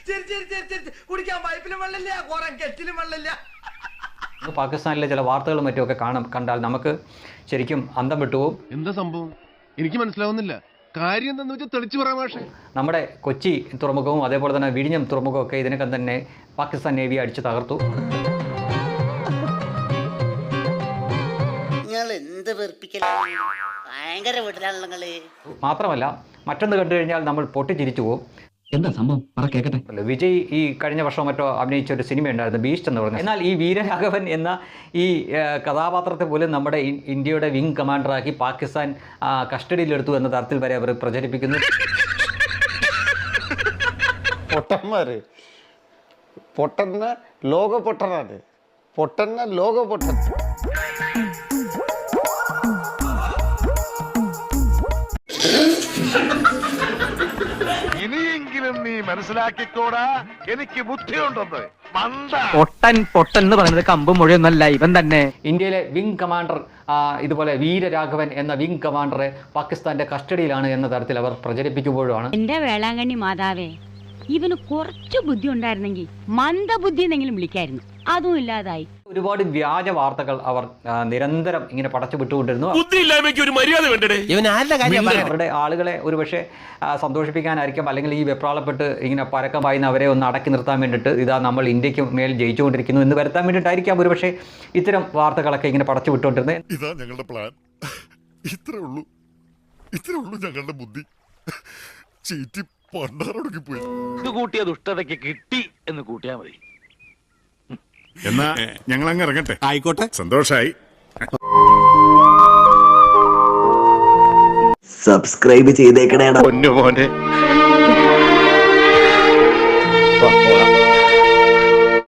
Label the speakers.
Speaker 1: കുടിക്കാൻ പൈപ്പിലും വെള്ളമില്ല, കുറെ കെറ്റിലും വെള്ളമില്ല.
Speaker 2: പാകിസ്ഥാനിലെ ചില വാർത്തകളും മറ്റുമൊക്കെ കണ്ടാൽ നമുക്ക് ശരിക്കും അന്തം വിട്ടുപോകും.
Speaker 3: എന്താ സംഭവം എനിക്ക് മനസ്സിലാവുന്നില്ല. കാര്യം എന്താണെന്ന് വെച്ചാൽ തെളിച്ചു പറയാം. പക്ഷേ
Speaker 2: നമ്മുടെ കൊച്ചി തുറമുഖവും അതേപോലെ തന്നെ വിഴിഞ്ഞം തുറമുഖവും ഒക്കെ ഇതിനകം തന്നെ പാകിസ്ഥാൻ നേവി അടിച്ചു തകർത്തു. മാത്രമല്ല മറ്റൊന്ന് കണ്ടു കഴിഞ്ഞാൽ നമ്മൾ പൊട്ടിച്ചിരിച്ചു പോകും.
Speaker 4: എന്താ സംഭവം പറ കേക്കട്ടെ.
Speaker 2: വിജയ് ഈ കഴിഞ്ഞ വർഷം മറ്റോ അഭിനയിച്ച ഒരു സിനിമ ഉണ്ടായിരുന്നു, ബീസ്റ്റ് എന്ന് പറഞ്ഞത്. എന്നാൽ ഈ വീരരാഘവൻ എന്ന ഈ കഥാപാത്രത്തെ പോലും നമ്മുടെ ഇന്ത്യയുടെ വിങ് കമാൻഡറാക്കി പാകിസ്ഥാൻ കസ്റ്റഡിയിലെടുത്തു എന്ന തരത്തിൽ വരെ അവർ പ്രചരിപ്പിക്കുന്നു.
Speaker 5: പൊട്ടന്മാര് പൊട്ടന്ന ലോക പൊട്ടനാണ്, പൊട്ടന്ന ലോക പൊട്ടൻ.
Speaker 3: ഇനിയെങ്കിലും നീ മനസ്സിലാക്കിക്കോടാ, എനിക്ക് ബുദ്ധിയുണ്ടെന്ന്.
Speaker 4: പൊട്ടൻ പൊട്ടൻ എന്ന് പറയുന്നത് കമ്പും മൊഴിയൊന്നല്ല, ഇവൻ തന്നെ.
Speaker 2: ഇന്ത്യയിലെ വിങ് കമാൻഡർ ഇതുപോലെ വീരരാഘവൻ എന്ന വിങ് കമാൻഡറെ പാകിസ്ഥാന്റെ കസ്റ്റഡിയിലാണ് എന്ന തരത്തിൽ അവർ പ്രചരിപ്പിക്കുമ്പോഴാണ്
Speaker 6: എന്റെ വേളാങ്കണ്ണി മാതാവേ, ഇവന് കുറച്ച് ബുദ്ധി ഉണ്ടായിരുന്നെങ്കിൽ മന്ദബുദ്ധി എന്നെങ്കിലും വിളിക്കായിരുന്നു. അതും ഇല്ലാതായി.
Speaker 2: ഒരുപാട് വ്യാജ വാർത്തകൾ അവർ നിരന്തരം ഇങ്ങനെ പടച്ചു വിട്ടുകൊണ്ടിരുന്നു. അവരുടെ ആളുകളെ ഒരുപക്ഷെ സന്തോഷിപ്പിക്കാനായിരിക്കും, അല്ലെങ്കിൽ ഈ വെപ്രാളപ്പെട്ട് ഇങ്ങനെ പരക്കം പായുന്ന അവരെ ഒന്ന് അടക്കി നിർത്താൻ വേണ്ടിയിട്ട് ഇതാ നമ്മൾ ഇന്ത്യക്ക് മേൽ ജയിച്ചുകൊണ്ടിരിക്കുന്നു എന്ന് വരുത്താൻ വേണ്ടിയിട്ടായിരിക്കാം ഒരുപക്ഷെ ഇത്തരം വാർത്തകളൊക്കെ ഇങ്ങനെ പടച്ചു വിട്ടുകൊണ്ടിരുന്നത്.
Speaker 7: ഇതാ ഞങ്ങളുടെ പ്ലാൻ. ഇത്രേ ഉള്ളൂ ഞങ്ങളുടെ ബുദ്ധി. ചീറ്റി പണ്ടാറൊടുക്കിപ്പോയി.
Speaker 8: ഇത് കൂട്ടിയ ദുഷ്ടതയ്ക്ക് കിട്ടി എന്ന് കൂട്ടിയാ മതി.
Speaker 7: എന്നാ ഞങ്ങൾ അങ്ങ് ഇറങ്ങട്ടെ. ആയിക്കോട്ടെ, സന്തോഷായി.
Speaker 9: സബ്സ്ക്രൈബ് ചെയ്തേക്കണേടാ
Speaker 3: പൊന്നു മോനെ.